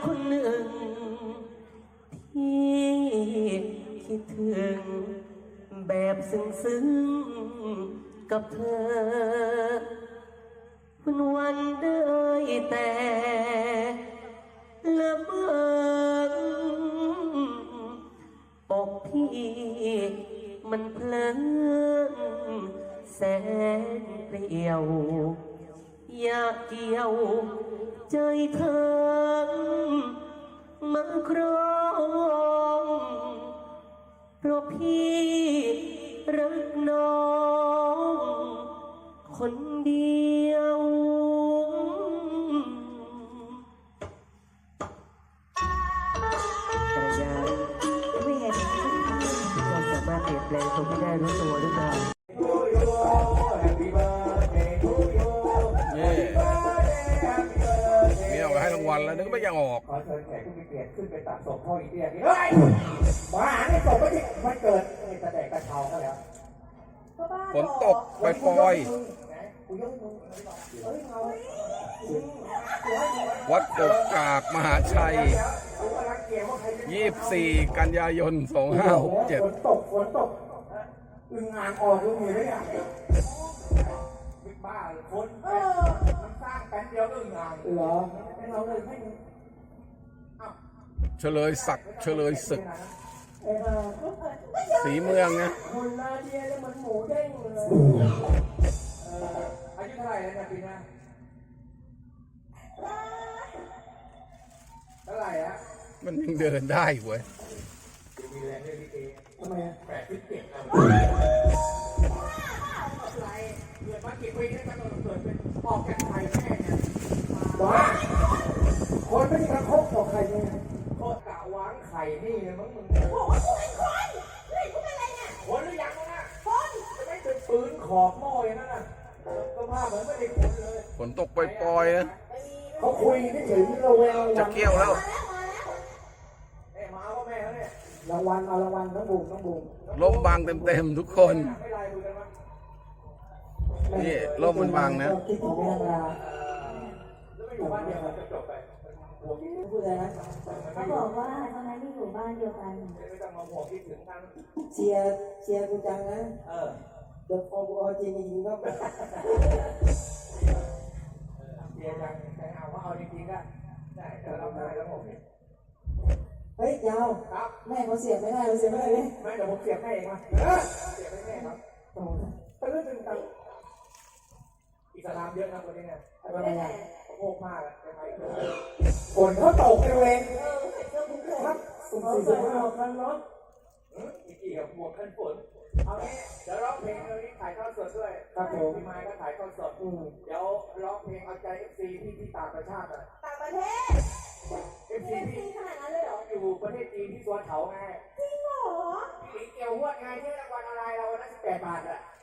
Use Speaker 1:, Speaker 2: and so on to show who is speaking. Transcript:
Speaker 1: คนหนึ่งที่คิดถึงแบบซึ้งๆกับเธอวันได้แต่ละเมออกพี่มันเพลินแสนเปลี่ยวอยากเกี่ยวใจเธอมาครองเพราะพี่รักน้องคนเดียวภรรยาไม่เห็นเราสามารถเปลี่ยนแปลงตัวไม่ได้รู้ตัวหรือเปล่า
Speaker 2: มีออกให้รางวัลแล้วนึกไม่ยังออก
Speaker 3: ขอเชิญแขกผู้มีเกียรติขึ้นไปตัดศพพ่ออีเตี้ยนี่เฮ้ยบ้าเนี่ยศพไม่ใช่วันเกิดนี่ตะแดกกระเช้าก็แล้ว
Speaker 2: ฝนตกปล่อยวัดกกกากมหาชัย24 กันยายน 2567
Speaker 3: ฝนตกอึ่งอ่างออกลูกมือได้ยังบ้าคนมันสร้างแป๊บเดียวอึ่งอ่างเหรอให้เราเลยให้
Speaker 2: เฉลยศักดิ์เฉลยศึกสีเมืองนะ
Speaker 3: คนนาเดียแล้วมันหมูเด้งเลยอายุเท่าไหร่แล้วเนี่ยปีหน้าเท่าไหร่อะ
Speaker 2: มันยังเดินได้เว้ย
Speaker 3: มีแรงได้ลิเกทำไม87แล้วอะไรเกิดมากี่ปีแล้วกันเกิดเป็นออกจากไข่แม่เนี่ยว้าคนไม่ได้กระทบต่อไข่แม่โคตรกะวางไข่นี่เลยมั้งมึง
Speaker 4: โอ้โหกูเป็นคนเฮ้ยกูเป็นอะไรเนี่ย
Speaker 3: คนหรือยังมึงอ่ะ
Speaker 4: คน
Speaker 3: จะไม่เป็นปืนขอบหม้ออย่างนั้นน่ะสภาพเหมือนไม่ได้คนเลย
Speaker 2: ฝนตกปล่อยๆนะ
Speaker 3: เขาคุยนี่ถึงเราแวว
Speaker 2: จะเกี่ยวแล้ว
Speaker 3: มาว่าแม่เขาเนี่ยรางวัลเอารางวัลน้องบุ๋ม
Speaker 2: ล่มบางเต็มๆทุกคนนี่ล่มมันบางนะ
Speaker 3: คิดถึงแม่นาแล้วไม่อยู่บ้านเดียวกันจะจบไปพูดอะไรนะ
Speaker 4: เขาบอกว่าตอนนั้นที่อยู่บ้านเดียวกัน
Speaker 3: ไม่ต้องมาห่วงคิดถึงกัน
Speaker 5: เชียร์กูจังนะเดี๋ยวพอกูเอาจริงก็
Speaker 3: เชียร์จังแต่เอาว่าเอาจริงๆก็ได้แต่เราได้แล้วผมเนี่ย
Speaker 5: เฮ้ยยาวแม่เขาเสียบไม่ได้เราเสียบไม่ได้เลย
Speaker 3: ไม่เดี๋ยวผมเสียบให้เองมาเสียบให้แม่ครับตื่นตังอิสลามเยอะนะคนนี้เนี่ย
Speaker 5: อะไรอ่ะ
Speaker 3: โง่มากเลยฝนเขาตกเองครับสุ่มสี่สุ่มห้าคันรถอีกกี่กับหมวกกันฝนเอางี้เดี๋ยวร้องเพลงเรานี้ถ่ายทอดสดด้วยครับผมพี่ไม้ก็ถ่ายทอดสดเดี๋ยวร้องเพลงเอาใจ FC ที่ต่างประเทศอ่ะ
Speaker 4: ต่างประเทศ
Speaker 3: FC ที่ขนาดนั้นเลยเหรออยู่ประเทศจีนที่สวนเขาไง
Speaker 4: จริงเหรอ
Speaker 3: พี่เกี่ยวหัวไงที่รางวัลอะไรเราวันละ18 บาทอ่ะ